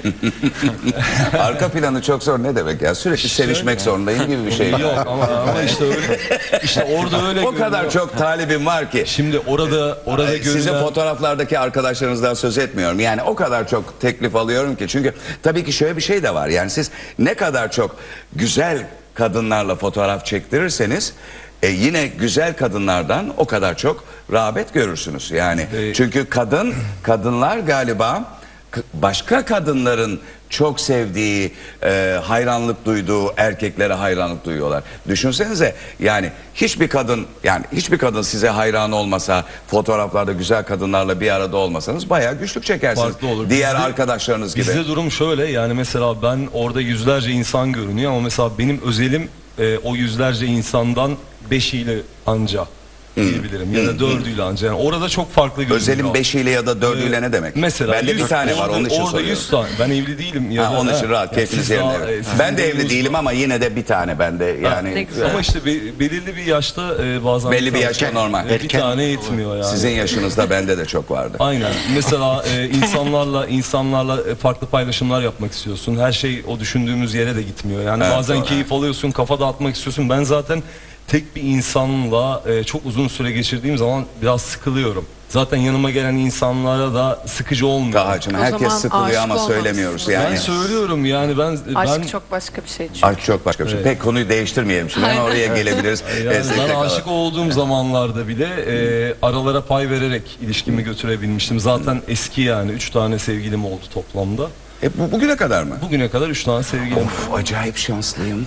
Speaker 2: Arka planı çok zor ne demek ya? Sürekli sevişmek zorundayım gibi bir şey.
Speaker 5: yok ama işte öyle, işte orada öyle
Speaker 2: O kadar
Speaker 5: görünüyor.
Speaker 2: çok talibim var ki.
Speaker 5: Şimdi orada
Speaker 2: Sizin
Speaker 5: görülen
Speaker 2: fotoğraflardaki arkadaşlarınızdan söz etmiyorum. Yani o kadar çok teklif alıyorum ki. Çünkü tabii ki şöyle bir şey de var. Yani siz ne kadar çok güzel kadınlarla fotoğraf çektirirseniz yine güzel kadınlardan o kadar çok rağbet görürsünüz. Yani çünkü kadınlar galiba başka kadınların çok sevdiği, hayranlık duyduğu erkeklere hayranlık duyuyorlar. Düşünsenize, yani hiçbir kadın size hayran olmasa, fotoğraflarda güzel kadınlarla bir arada olmasanız bayağı güçlük çekersiniz.
Speaker 5: Farklı olur.
Speaker 2: Diğer
Speaker 5: Bizde-
Speaker 2: arkadaşlarınız gibi.
Speaker 5: Bizde durum şöyle, yani mesela ben orada yüzlerce insan görünüyor ama mesela benim özelim o yüzlerce insandan 5'iyle anca diyebilirim ya da 4'üyle anca. Yani orada çok farklı görünüyor.
Speaker 2: Özelin 5'iyle ya da 4'üyle ne demek?
Speaker 5: Mesela
Speaker 2: Bende bir
Speaker 5: 100
Speaker 2: tane var, onun için
Speaker 5: orada
Speaker 2: soruyorum.
Speaker 5: 100 tane. Ben evli değilim. Ya
Speaker 2: Ha,
Speaker 5: da-
Speaker 2: onun için rahat,
Speaker 5: Yani
Speaker 2: keyfiniz
Speaker 5: siz
Speaker 2: yerinde.
Speaker 5: daha-
Speaker 2: Evet.
Speaker 5: sizin
Speaker 2: Ben de evli
Speaker 5: durumunuz
Speaker 2: değilim
Speaker 5: var.
Speaker 2: ama yine de bir tane bende.
Speaker 3: ne
Speaker 2: Yani
Speaker 3: güzel.
Speaker 5: Ama işte belirli bir yaşta bazen
Speaker 2: belli bir yaşta normal.
Speaker 5: bir tane yetmiyor yani.
Speaker 2: Sizin yaşınızda bende de çok vardı.
Speaker 5: Aynen. Mesela insanlarla farklı paylaşımlar yapmak istiyorsun. Her şey o düşündüğümüz yere de gitmiyor. Yani
Speaker 2: Evet,
Speaker 5: bazen
Speaker 2: doğru.
Speaker 5: keyif alıyorsun, kafa dağıtmak istiyorsun. Ben zaten tek bir insanla çok uzun süre geçirdiğim zaman biraz sıkılıyorum. Zaten yanıma gelen insanlara da sıkıcı olmuyor.
Speaker 2: Taha'cığım,
Speaker 3: O
Speaker 2: herkes
Speaker 3: zaman
Speaker 2: sıkılıyor
Speaker 3: aşık
Speaker 2: ama
Speaker 3: olmamışsın.
Speaker 2: söylemiyoruz
Speaker 5: Ben
Speaker 2: yani.
Speaker 5: söylüyorum yani
Speaker 3: Aşk çok başka bir şey çünkü.
Speaker 2: Aşk çok başka bir şey.
Speaker 5: Evet.
Speaker 2: Pek konuyu değiştirmeyelim şimdi, hemen oraya gelebiliriz.
Speaker 5: yani
Speaker 2: STK
Speaker 5: ben
Speaker 2: kadar.
Speaker 5: aşık olduğum zamanlarda bile aralara pay vererek ilişkimi götürebilmiştim. Zaten eski, yani 3 tane sevgilim oldu toplamda.
Speaker 2: Bugüne kadar mı?
Speaker 5: Bugüne kadar 3 tane sevgilim oldu.
Speaker 2: Of, acayip şanslıyım.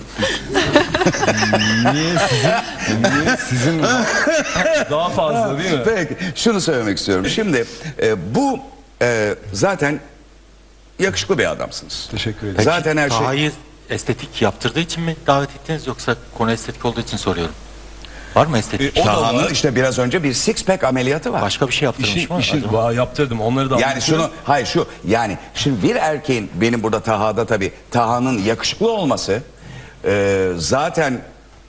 Speaker 5: Niye sizin daha fazla değil mi?
Speaker 2: Peki, şunu söylemek istiyorum. Şimdi bu zaten yakışıklı bir adamsınız.
Speaker 5: Teşekkür ederim.
Speaker 4: Peki,
Speaker 2: Zaten her şey...
Speaker 4: Taha'yı estetik yaptırdığı için mi davet ettiniz yoksa konu estetik olduğu için soruyorum. Var mı estetik?
Speaker 5: O da
Speaker 2: Taha'nın
Speaker 5: var.
Speaker 2: işte biraz önce bir six pack ameliyatı var.
Speaker 4: Başka bir şey yaptırmış mı?
Speaker 5: İşin
Speaker 4: acaba?
Speaker 5: yaptırdım. Onları da
Speaker 2: Yani
Speaker 5: anlatıyorum.
Speaker 2: yani şimdi bir erkeğin, benim burada Taha'da tabii Taha'nın yakışıklı olması, zaten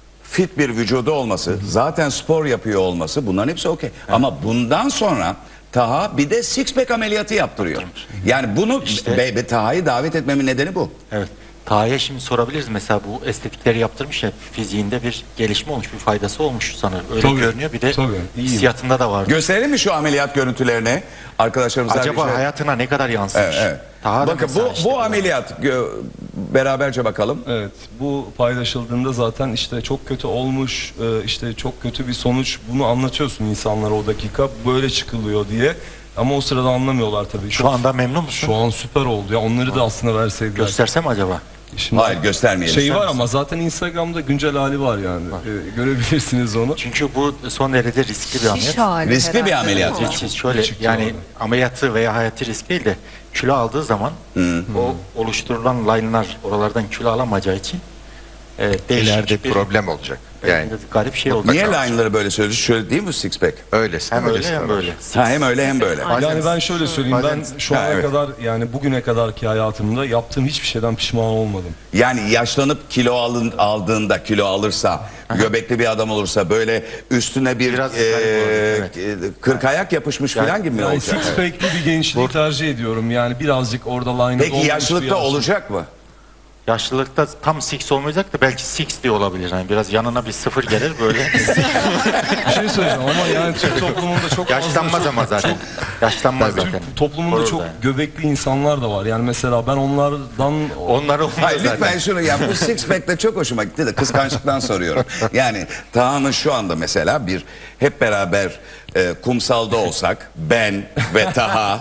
Speaker 2: fit bir vücudu olması, zaten spor yapıyor olması, bunların hepsi okey. Ama bundan sonra Taha bir de six pack ameliyatı yaptırıyor. Yani bunu
Speaker 4: İşte-
Speaker 2: Taha'yı davet etmemin nedeni bu.
Speaker 4: Evet. Taha'ya şimdi sorabiliriz. Mesela bu estetikleri yaptırmış ya, fiziğinde bir gelişme olmuş, bir faydası olmuş sanırım. Öyle
Speaker 5: Tabii,
Speaker 4: görünüyor. Bir de
Speaker 5: tabii, iyiyim.
Speaker 4: hissiyatında da vardı.
Speaker 2: Gösterelim mi şu ameliyat görüntülerini arkadaşlarımıza?
Speaker 4: Acaba
Speaker 2: bir şey-
Speaker 4: hayatına ne kadar yansımış?
Speaker 2: Evet, evet.
Speaker 4: Taha da
Speaker 2: Bakın
Speaker 4: mesela işte
Speaker 2: bu ameliyat beraberce bakalım.
Speaker 5: Evet, bu paylaşıldığında zaten işte çok kötü olmuş, işte çok kötü bir sonuç, bunu anlatıyorsun insanlara o dakika, böyle çıkılıyor diye. Ama o sırada anlamıyorlar tabii.
Speaker 4: Şu anda memnun musun?
Speaker 5: Şu an süper oldu ya, onları da aslında verseydiler.
Speaker 4: Göstersem acaba?
Speaker 5: Şimdi
Speaker 2: Hayır, göstermeyelim.
Speaker 5: şey var ama zaten Instagram'da güncel hali var yani. Görebilirsiniz onu.
Speaker 4: Çünkü bu son derece riskli bir ameliyat.
Speaker 3: Şiş hali
Speaker 2: Riskli bir
Speaker 3: herhalde,
Speaker 2: ameliyat.
Speaker 3: değil mi?
Speaker 4: Hiç şöyle
Speaker 5: Küçük
Speaker 4: yani
Speaker 5: yani.
Speaker 4: ameliyatı veya hayati risk değil de kilo aldığı zaman o oluşturulan line'lar oralardan kilo alamayacağı için değişik
Speaker 1: İleride
Speaker 4: bir
Speaker 1: problem olacak. Yani
Speaker 4: garip şey oldu.
Speaker 2: Niye line'ları böyle söylüyorsun? Şöyle değil mi six pack?
Speaker 1: öylesi.
Speaker 4: Hem öyle
Speaker 1: öylesi
Speaker 4: hem
Speaker 1: var.
Speaker 4: böyle.
Speaker 2: Ha, hem öyle hem böyle.
Speaker 4: Bazen-
Speaker 5: Yani ben şöyle söyleyeyim, ben şu
Speaker 2: Ha,
Speaker 5: ana
Speaker 2: evet.
Speaker 5: kadar, yani bugüne kadarki hayatımda yaptığım hiçbir şeyden pişman olmadım.
Speaker 2: Yani yaşlanıp aldığında, kilo alırsa, göbekli bir adam olursa böyle üstüne bir
Speaker 4: Biraz garip olur,
Speaker 2: 40 ayak yapışmış falan gibi mi
Speaker 5: Yani
Speaker 2: olacak?
Speaker 5: six pack'li bir gençliği tercih ediyorum. Yani birazcık orada line'da
Speaker 2: Peki yaşlılıkta olacak mı?
Speaker 4: Yaşlılıkta tam six olmayacak da belki six diye olabilir. Yani biraz yanına bir sıfır gelir böyle.
Speaker 5: Bir şey söyleyeceğim ama yani Türk toplumunda çok
Speaker 4: Yaşlanmaz
Speaker 5: fazla
Speaker 4: ama zaten. Yaşlanmaz zaten.
Speaker 5: Türk toplumunda
Speaker 4: Korur
Speaker 5: çok
Speaker 4: da yani.
Speaker 5: göbekli insanlar da var. Yani mesela ben onlardan
Speaker 4: Onları olmaz
Speaker 2: Hayır
Speaker 4: zaten.
Speaker 2: lütfen şunu ya, bu six pack de çok hoşuma gitti de kıskançlıktan soruyorum. Yani Taha'nın şu anda mesela bir hep beraber kumsalda olsak, ben ve Taha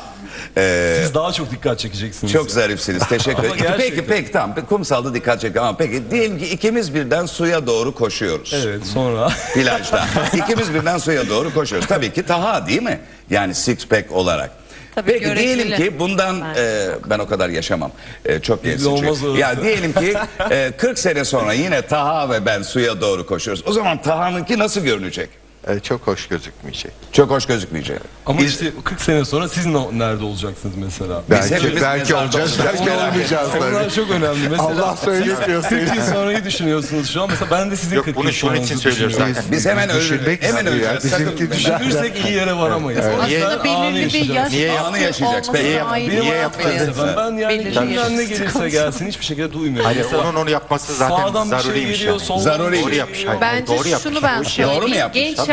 Speaker 5: siz daha çok dikkat çekeceksiniz.
Speaker 2: çok zarifsiniz, teşekkür
Speaker 5: Ama
Speaker 2: ederim. Peki
Speaker 5: gerçekten.
Speaker 2: tamam, kumsalda dikkat çekiyor ama peki diyelim ki ikimiz birden suya doğru koşuyoruz.
Speaker 5: Evet, sonra
Speaker 2: Plajda. İkimiz birden suya doğru koşuyoruz. Tabii ki Taha değil mi? Yani six pack olarak.
Speaker 3: Tabii,
Speaker 2: Peki diyelim
Speaker 3: göreceli.
Speaker 2: ki bundan ben o kadar yaşamam. Çok
Speaker 5: Bizde
Speaker 2: gençsin
Speaker 5: olmaz
Speaker 2: çünkü.
Speaker 5: öyle.
Speaker 2: Ya diyelim ki 40 sene sonra yine Taha ve ben suya doğru koşuyoruz. O zaman Taha'nınki nasıl görünecek?
Speaker 1: Çok hoş gözükmeyecek.
Speaker 2: Çok hoş gözükmeyecek.
Speaker 5: ama
Speaker 2: Biz-
Speaker 5: işte 40 sene sonra siz nerede olacaksınız mesela?
Speaker 2: hepimiz
Speaker 1: Belki
Speaker 2: mezarda
Speaker 1: olacağız,
Speaker 2: olacağız.
Speaker 1: belki olmayacağız
Speaker 5: Onlar
Speaker 1: tabii.
Speaker 5: çok önemli. Mesela
Speaker 1: Allah söyletiyor
Speaker 5: 40 yıl sonrayı düşünüyorsunuz şu an. Mesela ben de sizin
Speaker 4: Yok,
Speaker 5: 40
Speaker 4: bunu
Speaker 5: yıl
Speaker 4: şunun için
Speaker 5: sonranızı
Speaker 4: söylüyoruz
Speaker 5: düşünüyorum.
Speaker 4: zaten.
Speaker 2: Biz hemen
Speaker 1: Düşünmek
Speaker 2: hemen
Speaker 1: istiyor ya,
Speaker 2: öleceğiz.
Speaker 1: bizimki
Speaker 2: Sakın-
Speaker 1: düşer.
Speaker 5: Düşünürsek iyi yere varamayız.
Speaker 4: Niye-
Speaker 3: Aslında belirli bir yaş
Speaker 4: Niye
Speaker 3: altı
Speaker 2: anı yaşayacağız?
Speaker 3: olması
Speaker 2: Peki,
Speaker 3: daha iyi
Speaker 5: Benim
Speaker 3: bir
Speaker 5: hayatım
Speaker 3: ameliyat.
Speaker 5: felsefem. Ben yani
Speaker 3: Belirli
Speaker 5: kimden ne
Speaker 3: yaş
Speaker 5: gelirse
Speaker 3: sıkıntı.
Speaker 5: gelsin hiçbir şekilde duymuyorum.
Speaker 4: Hayır,
Speaker 5: Mesela
Speaker 4: onun onu yapması zaten
Speaker 5: sağdan bir şey
Speaker 4: zaruriymiş
Speaker 5: geliyor,
Speaker 4: yani.
Speaker 5: soldan
Speaker 2: Zaruri.
Speaker 5: bir şey
Speaker 4: Doğru yapmış.
Speaker 5: geliyor.
Speaker 4: Hayır,
Speaker 3: Bence
Speaker 4: doğru yapmış.
Speaker 3: şunu ben
Speaker 4: Bu işi-
Speaker 2: Doğru mu
Speaker 3: söyleyeyim.
Speaker 2: yapmış?
Speaker 3: Genç
Speaker 2: Tabii,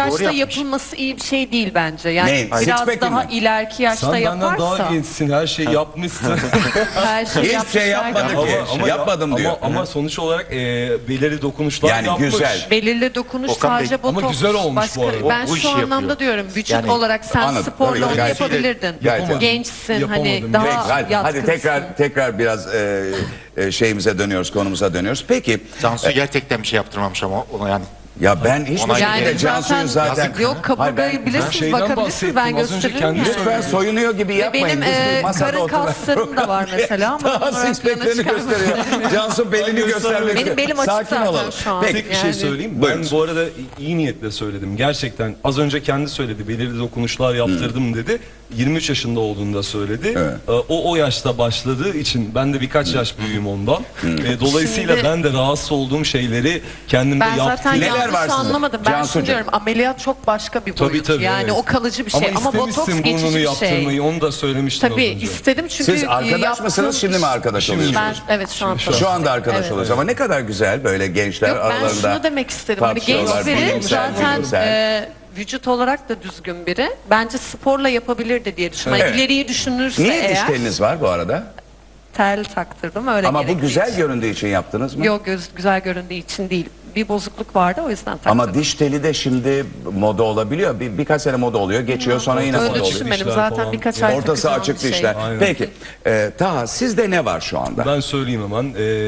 Speaker 3: yaşta
Speaker 4: yapmış.
Speaker 3: yapılması iyi bir şey değil bence. Yani
Speaker 2: Ne?
Speaker 3: biraz
Speaker 2: Six-pack'i
Speaker 3: daha
Speaker 2: mi?
Speaker 3: ileriki yaşta
Speaker 5: Sen benden
Speaker 3: yaparsa
Speaker 5: daha gençsin, her şeyi yapmışsın.
Speaker 3: her şey
Speaker 2: Hiçbir şey yapmadı ki. Yapmadım diyor.
Speaker 5: Ama sonuç olarak belirli dokunuşlar
Speaker 2: Yani
Speaker 5: yapmış.
Speaker 2: güzel.
Speaker 3: belirli dokunuş
Speaker 4: Okan Bey,
Speaker 3: sadece botoks.
Speaker 5: ama güzel olmuş
Speaker 3: başka,
Speaker 5: bu arada.
Speaker 3: Ben
Speaker 4: Bu
Speaker 3: şu
Speaker 4: işi
Speaker 3: anlamda
Speaker 4: yapıyor.
Speaker 3: diyorum. Vücut
Speaker 4: Yani
Speaker 3: olarak sen
Speaker 2: anladım.
Speaker 3: sporla
Speaker 2: Tabii,
Speaker 3: onu
Speaker 2: gayet-
Speaker 3: yapabilirdin.
Speaker 2: gayet-
Speaker 3: Gençsin
Speaker 5: Yapamadım.
Speaker 3: hani daha
Speaker 2: Peki, hadi
Speaker 3: yatkınsın.
Speaker 2: tekrar biraz şeyimize dönüyoruz, konumuza dönüyoruz. Peki
Speaker 4: Cansu gerçekten bir şey yaptırmamış ama ona yani.
Speaker 2: ya ben hiçbir
Speaker 4: Ona-
Speaker 2: şekilde
Speaker 3: Yani
Speaker 2: Cansu'yu zaten
Speaker 3: yok
Speaker 2: Hayır,
Speaker 3: kaburgayı
Speaker 2: ben-
Speaker 3: bilirsiniz,
Speaker 5: şeyden
Speaker 3: bakabilirsiniz, ben
Speaker 5: bahsettim, az önce
Speaker 3: gösteririm
Speaker 5: kendi
Speaker 3: yani.
Speaker 2: lütfen soyunuyor gibi
Speaker 3: Ve
Speaker 2: yapmayın.
Speaker 3: benim
Speaker 2: Biz bir masada
Speaker 3: karın
Speaker 2: oturan
Speaker 3: kaslarım da var mesela ama
Speaker 2: Daha
Speaker 3: bunları ön
Speaker 2: six
Speaker 3: plana
Speaker 2: pack'lerini
Speaker 3: çıkarmak
Speaker 2: gösteriyor.
Speaker 3: istemiyorum.
Speaker 2: Cansu belini
Speaker 5: Ben
Speaker 2: göstermek
Speaker 3: Benim belim açık
Speaker 2: Sakin
Speaker 3: zaten
Speaker 2: olalım.
Speaker 3: şu an.
Speaker 2: Peki
Speaker 5: Tek bir şey
Speaker 3: Yani-
Speaker 5: söyleyeyim.
Speaker 2: Buyurun.
Speaker 5: Ben bu arada iyi niyetle söyledim. Gerçekten az önce kendi söyledi. Belirli dokunuşlar yaptırdım dedi. 23 yaşında olduğunda söyledi.
Speaker 2: Evet.
Speaker 5: O yaşta başladığı için ben de birkaç yaş büyüğüm ondan. Dolayısıyla
Speaker 3: Şimdi-
Speaker 5: ben de rahatsız olduğum şeyleri kendimde
Speaker 3: Ben zaten
Speaker 5: yaptım.
Speaker 2: Neler
Speaker 3: yanlış
Speaker 2: var sizin?
Speaker 3: anlamadım. Ben
Speaker 2: Cansucuğum.
Speaker 3: şunu diyorum, ameliyat çok başka bir
Speaker 5: Tabii,
Speaker 3: boyut.
Speaker 5: tabii,
Speaker 3: yani
Speaker 5: evet.
Speaker 3: o kalıcı bir şey. Ama botoks
Speaker 5: istemişsin
Speaker 3: geçici
Speaker 5: burnunu
Speaker 3: bir
Speaker 5: yaptırmayı,
Speaker 3: şey.
Speaker 5: onu da söylemiştin
Speaker 3: Tabii
Speaker 5: az önce.
Speaker 3: istedim çünkü
Speaker 2: Siz arkadaş
Speaker 3: yaptığım
Speaker 2: mısınız, şimdi mi
Speaker 3: iş-
Speaker 2: arkadaş
Speaker 5: Şimdi.
Speaker 2: oluyorsunuz?
Speaker 3: Ben evet şu an
Speaker 2: Şu anda arkadaş
Speaker 3: Evet.
Speaker 2: oluyoruz ama ne kadar güzel böyle gençler
Speaker 3: Yok ben
Speaker 2: aralarında
Speaker 3: şunu demek istedim. Hani
Speaker 2: tartışıyorlar,
Speaker 3: genç biri
Speaker 2: bilimsel,
Speaker 3: zaten
Speaker 2: bilimsel.
Speaker 3: vücut olarak da düzgün biri. Bence sporla yapabilirdi diye düşünüyorum.
Speaker 2: Evet.
Speaker 3: İleriyi düşünürse
Speaker 2: Niye diş
Speaker 3: eğer
Speaker 2: teliniz var bu arada?
Speaker 3: tel taktırdım öyle
Speaker 2: Ama bu
Speaker 3: gerektiği
Speaker 2: güzel
Speaker 3: için.
Speaker 2: göründüğü için yaptınız mı?
Speaker 3: Yok güzel göründüğü için değil. Bir bozukluk vardı o yüzden taktım.
Speaker 2: Ama diş teli de şimdi moda olabiliyor. Birkaç sene moda oluyor, geçiyor sonra yine moda
Speaker 3: Öyle
Speaker 2: oluyor.
Speaker 3: düşünmedim
Speaker 5: Dişler
Speaker 3: zaten
Speaker 5: falan.
Speaker 3: birkaç ay
Speaker 2: Ortası
Speaker 3: takacağım
Speaker 2: açık
Speaker 3: bir
Speaker 2: dişler.
Speaker 5: Aynen.
Speaker 2: Peki, Taha sizde ne var şu anda?
Speaker 5: Ben söyleyeyim hemen.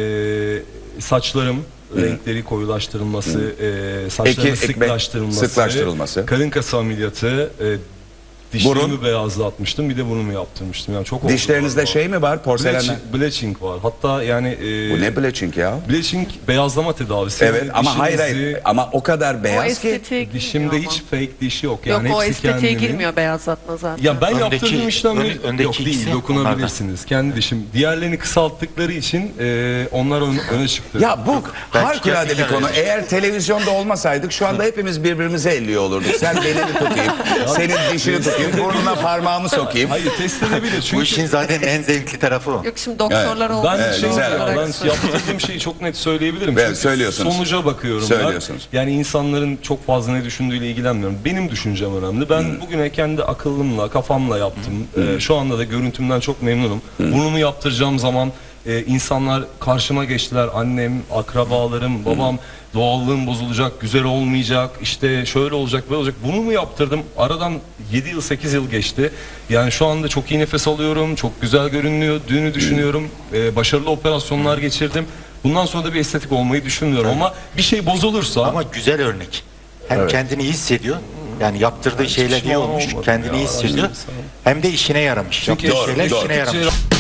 Speaker 5: Saçlarım renkleri koyulaştırılması, saçlarımın sıklaştırılması,
Speaker 2: sıklaştırılması.
Speaker 5: karın kası ameliyatı, dişlerimi
Speaker 2: Burun.
Speaker 5: beyazlatmıştım, bir de burnumu yaptırmıştım. Yani çok oldu
Speaker 2: Dişlerinizde
Speaker 5: galiba.
Speaker 2: şey mi var, porselen?
Speaker 5: Bleaching var. Hatta yani
Speaker 2: Bu ne bleaching ya?
Speaker 5: bleaching beyazlama tedavisi.
Speaker 2: Evet
Speaker 5: Yani
Speaker 2: ama hayır
Speaker 5: dişinizi-
Speaker 2: ama o kadar
Speaker 3: O
Speaker 2: beyaz ki.
Speaker 3: estetiğe girmiyor
Speaker 5: Dişimde
Speaker 3: ama.
Speaker 5: hiç fake diş yok.
Speaker 3: Yok
Speaker 5: Yani
Speaker 3: o
Speaker 5: hepsi
Speaker 3: estetiğe
Speaker 5: kendimin.
Speaker 3: girmiyor beyazlatma zaten.
Speaker 5: Ya ben
Speaker 4: Öndeki-
Speaker 5: yaptırdığım işlemleri
Speaker 4: öndeki
Speaker 5: yok değil,
Speaker 4: ikisi
Speaker 5: dokunabilirsiniz. Kendi dişim. Diğerlerini kısalttıkları için onlar öne çıktı.
Speaker 2: Ya bu
Speaker 4: Ben
Speaker 2: harikulade bir
Speaker 4: gerçekten
Speaker 2: konu.
Speaker 4: öyle.
Speaker 2: Eğer televizyonda olmasaydık şu anda hepimiz birbirimize elliyor olurduk. Sen belini tutayım, senin dişini tutayım, burnuna parmağımı sokayım.
Speaker 5: Hayır test edebilir
Speaker 4: Bu
Speaker 5: çünkü
Speaker 4: işin zaten en zevkli tarafı o.
Speaker 3: Yok şimdi doktorlar olduğu
Speaker 5: ben
Speaker 3: için
Speaker 5: şey
Speaker 2: güzel.
Speaker 3: olarak
Speaker 5: ben
Speaker 3: söylüyorum.
Speaker 5: yaptırdığım şeyi çok net söyleyebilirim.
Speaker 2: Evet,
Speaker 5: Çünkü
Speaker 2: söylüyorsunuz.
Speaker 5: sonuca bakıyorum
Speaker 2: Söylüyorsunuz.
Speaker 5: ben. Yani insanların çok fazla ne düşündüğüyle ilgilenmiyorum. Benim düşüncem önemli. Ben bugüne kendi akıllımla, kafamla yaptım. Şu anda da görüntümden çok memnunum. Burnumu yaptıracağım zaman insanlar karşıma geçtiler. Annem, akrabalarım, babam doğallığım bozulacak, güzel olmayacak, işte şöyle olacak, böyle olacak. Bunu mu yaptırdım? Aradan 7 yıl, 8 yıl geçti. Yani şu anda çok iyi nefes alıyorum, çok güzel görünüyor, düğünü düşünüyorum, başarılı operasyonlar geçirdim. Bundan sonra da bir estetik olmayı düşünmüyorum ama bir şey bozulursa...
Speaker 4: Ama güzel örnek. Hem kendini iyi hissediyor. Yani yaptırdığı şeyler iyi
Speaker 5: pişman
Speaker 4: olmuş.
Speaker 5: olmadım
Speaker 4: Kendini
Speaker 5: ya,
Speaker 4: iyi hissediyor.
Speaker 5: işte.
Speaker 4: Hem de işine yaramış.
Speaker 5: Çünkü
Speaker 4: Yaptığı şeyler
Speaker 2: doğru.
Speaker 4: işine yaramış.